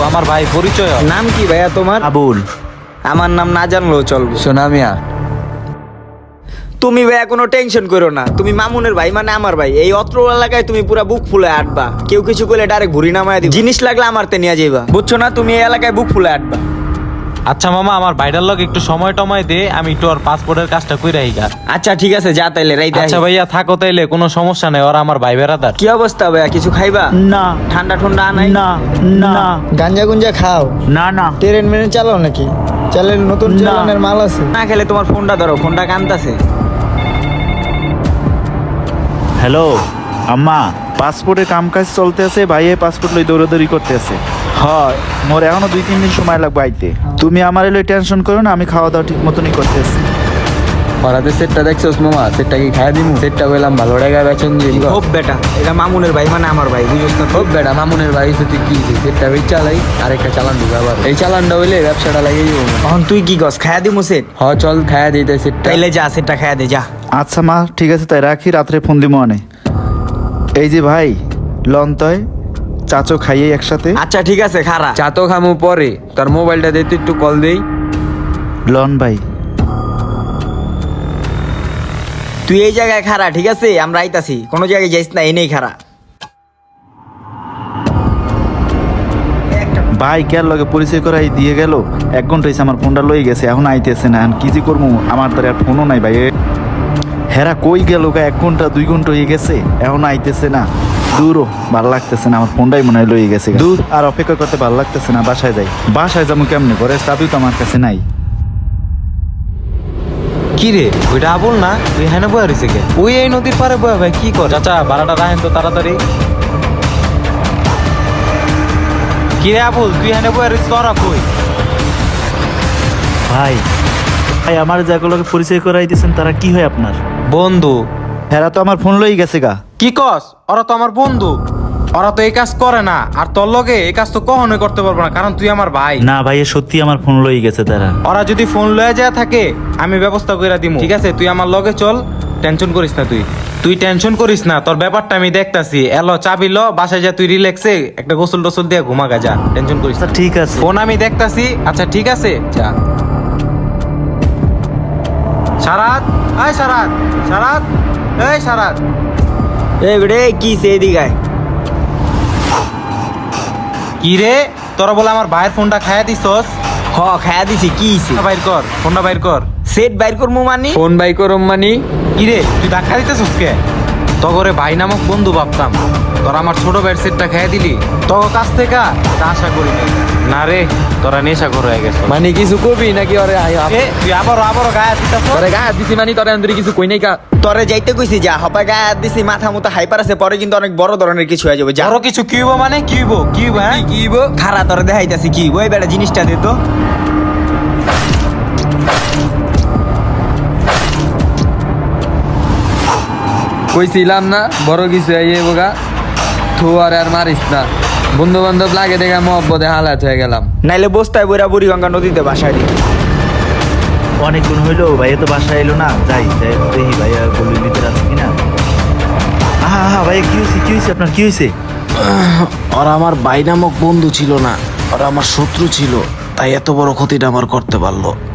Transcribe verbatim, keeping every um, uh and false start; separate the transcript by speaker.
Speaker 1: আমার ভাই পরিচয় হয়।
Speaker 2: নাম কি ভাইয়া তোমার?
Speaker 3: আবুল।
Speaker 2: আমার নাম না জানলেও চলবে।
Speaker 3: সোনা মিয়া।
Speaker 2: তুমি ভাইয়া কোনো টেনশন করো না, তুমি মামুনের ভাই মানে আমার ভাই। এই অত্র এলাকায় তুমি পুরা বুক ফুলে আটবা, কেউ কিছু করলে ডাইরেক্ট ঘুরি নামায় দিবা। জিনিস লাগলে আমার তে নিয়ে যাইবা, বুঝছো না? তুমি এই এলাকায় বুক ফুলে আটবা।
Speaker 1: আচ্ছা মামা, আমার ভাইটার লগে একটু সময় টময় দে, আমি একটু ওর পাসপোর্টের কাজটা কইরা আইগা।
Speaker 2: আচ্ছা ঠিক আছে, যা তাইলে রাইতে
Speaker 1: আচ্ছা
Speaker 2: আইস।
Speaker 1: ভাইয়া থাকো তাইলে, কোনো সমস্যা নেই, ওরা আমার ভাই বেড়াদার।
Speaker 2: কি অবস্থা ভাইয়া, কিছু খাইবা?
Speaker 3: না
Speaker 2: ঠান্ডা ঠান্ডা আনাই?
Speaker 3: না না
Speaker 2: গাঞ্জা গুঞ্জা খাও?
Speaker 3: না না।
Speaker 2: ট্রেন মেনে চালাও নাকি? চালের নতুন চালানের মাল আছে না? খেলে তোমার ফোনটা ধরো, ফোনটা কানতাছে।
Speaker 3: হ্যালো আম্মা, পাসপোর্টের কাম কাজ চলতে আছে, ভাইয়ে পাসপোর্ট লই দৌড়াদৌড়ি করতে আছে। হয় মোর এখনো দুই তিন দিন সময় লাগবে আইতে। তুমি আমার এলে টেনশন করো না, আমি খাওয়া দাওয়া ঠিক মতনই করতেছি।
Speaker 4: পরাতে সেটটা দেখছোস মামা? সেটটা কি খাইয়া দিমু? সেটটা কইলাম ভালো টাকা বেচন দিই।
Speaker 2: খুব বেটা, এটা মামুনের ভাই মানে আমার ভাই, বুঝছ না?
Speaker 4: খুব বেটা মামুনের বাড়ি তুই কি সেটটা বেচ চালাই আর একটা চালান দিবে আবার। এই চালানটা হইলে ব্যবসাটা লাগিয়ে দিব।
Speaker 2: এখন তুই কি গস খায়া দিমু সেট?
Speaker 4: হ চল খাইয়া দিতে সেটটা।
Speaker 2: তাইলে যা, সেটটা খায়া দে যা।
Speaker 3: আচ্ছা মা, ঠিক আছে তাই রাখি, রাত্রে ফোন দিব অনে। এই যে ভাই লন্তয় চাচো খাইয়ে একসাথে।
Speaker 2: আচ্ছা ঠিক আছে, খারা।
Speaker 4: চা তো খামু পরে, তোর মোবাইলটা দে তুই একটু কল দেই।
Speaker 3: লন ভাই।
Speaker 2: তুই এই জায়গায় খারা, ঠিক আছে? আমরা আইতাছি, কোনো জায়গায় যাইস না, এনেই খারা।
Speaker 3: ভাই কেয়ার লগে পরিচয় করাই দিয়ে গেল, এক ঘন্টা হয়েছে আমার ফোনটা লই গেছে, এখন আইতেছে না। এখন কি যে করবো, আমার তো আর ফোনও নাই ভাই। হেরা কই গেল গা? এক ঘন্টা দুই ঘন্টা হয়ে গেছে, এখন আইতেছে না। দূরও ভাল লাগতেছে না, আমার ফোনটাই মনে হয় লই গেছে। দূর আর অপেক্ষা করতে ভাল লাগতেছে না, বাসায় যাই। বাসায় যাবো কেমনে? ঘরের চাবি তো আমার কাছে নাই।
Speaker 1: কি রে, ওইটা আবুল না? তুই হ্যাঁ বয়া রয়েছে কে? ওই এই নদীর পারে বয়া ভাই, কি কর? চাচা ভাড়াটা রাখেন তো তাড়াতাড়ি। কি রে আবুল, তুই হ্যাঁ বয়া রয়েছিস, তোরা কই?
Speaker 3: ভাই ভাই আমার যাগুলোকে পরিচয় করাই দিয়েছেন, তারা কি হয় আপনার?
Speaker 1: বন্ধু।
Speaker 3: হেরা তো আমার ফোন লই গেছে গা।
Speaker 1: কি কস? ওরা তো আমার বন্ধু, ওরা তো এই কাজ করে না। আর তোর লগে এই কাজ তো কখনোই করতে পারবো না, কারণ তুই আমার ভাই।
Speaker 3: না ভাই, সত্যি আমার ফোন লই গেছে তারা।
Speaker 1: ওরা যদি ফোন লয়ে যায় থাকে, আমি ব্যবস্থা করে দিমু, ঠিক আছে? তুই আমার লগে চল, টেনশন করিস না। তুই তুই টেনশন করিস না, তোর ব্যাপারটা আমি দেখতাছি। এলো চাবি ল, বাসায় যা, তুই রিল্যাক্সে একটা গোসল টোসল দিয়ে ঘুমাগা যা, টেনশন করিস না।
Speaker 3: আচ্ছা ঠিক আছে।
Speaker 1: ফোন আমি দেখতাছি। আচ্ছা ঠিক আছে, যা। সারাত, এই সারাত, সারাত, এই সারাত।
Speaker 2: এই বেড়ে কি সে দিগায়?
Speaker 1: কি রে, তোরা বলে আমার ভাইয়ের ফোনটা খাইয়া দিছস?
Speaker 2: হ খায়া দিছি। কি হইছে?
Speaker 1: বাইর কর ফোনটা, বাইর কর।
Speaker 2: সেট বাইর করমু মানি?
Speaker 4: ফোন বাই করম মানি?
Speaker 1: কি রে, তুই ধাক্কা দিতেছস কে? তগরে ভাই নামক বন্ধু ভাবতাম, তোরা আমার ছোট ভাইয়ের সেটটা খেয়ে দিলি। তগ কাছ থেকে তা আশা করি নাই। না রে, তোরা নেশা করে হয়ে গেছ।
Speaker 4: মানে কিছু কবি নাকি? ওরে আই আপ-
Speaker 1: এ, তুই আবারও আবারও গায়ে দিতেছ।
Speaker 4: তোরে গায়ে দিছি মানি, তোরে আন্দরি কিছু কই নাই কা?
Speaker 2: তরে যাইতে কইছি, যা। হপায় গায়ে হাত দিছি, মাথা মতো হাইপার আছে, পরে কিন্তু অনেক বড় ধরনের কিছু হয়ে যাবে। যা।
Speaker 1: আরো কিছু কি হইব? মানে কি হইব? কি হইব? হ্যাঁ
Speaker 2: কি গো? খারা তরে দেখাইতাছি কি ওই বেটা, জিনিসটা দে তো।
Speaker 4: কইছিলাম না বড় কিছু আইয়ে বোগা। থু আর আর মারিস না, বন্ধু বান্ধব লাগে দেখা মহব্বতে হালাত হয়ে গেলাম।
Speaker 2: নাইলে বস্তায় বইরা বুড়িগঙ্গা নদীতে বাসায় দিই।
Speaker 3: অনেকক্ষণ হইলো ভাইয়া তো বাসায় এলো না। যাই যাই দেখি ভাইয়া গলির ভিতরে আছে কিনা। হ্যাঁ হ্যাঁ ভাইয়া, কি হয়েছে? কি হয়েছে আপনার? কি হয়েছে?
Speaker 5: ওরা আমার ভাই নামক বন্ধু ছিল না, ওরা আমার শত্রু ছিল, তাই এত বড় ক্ষতিটা আমার করতে পারলো।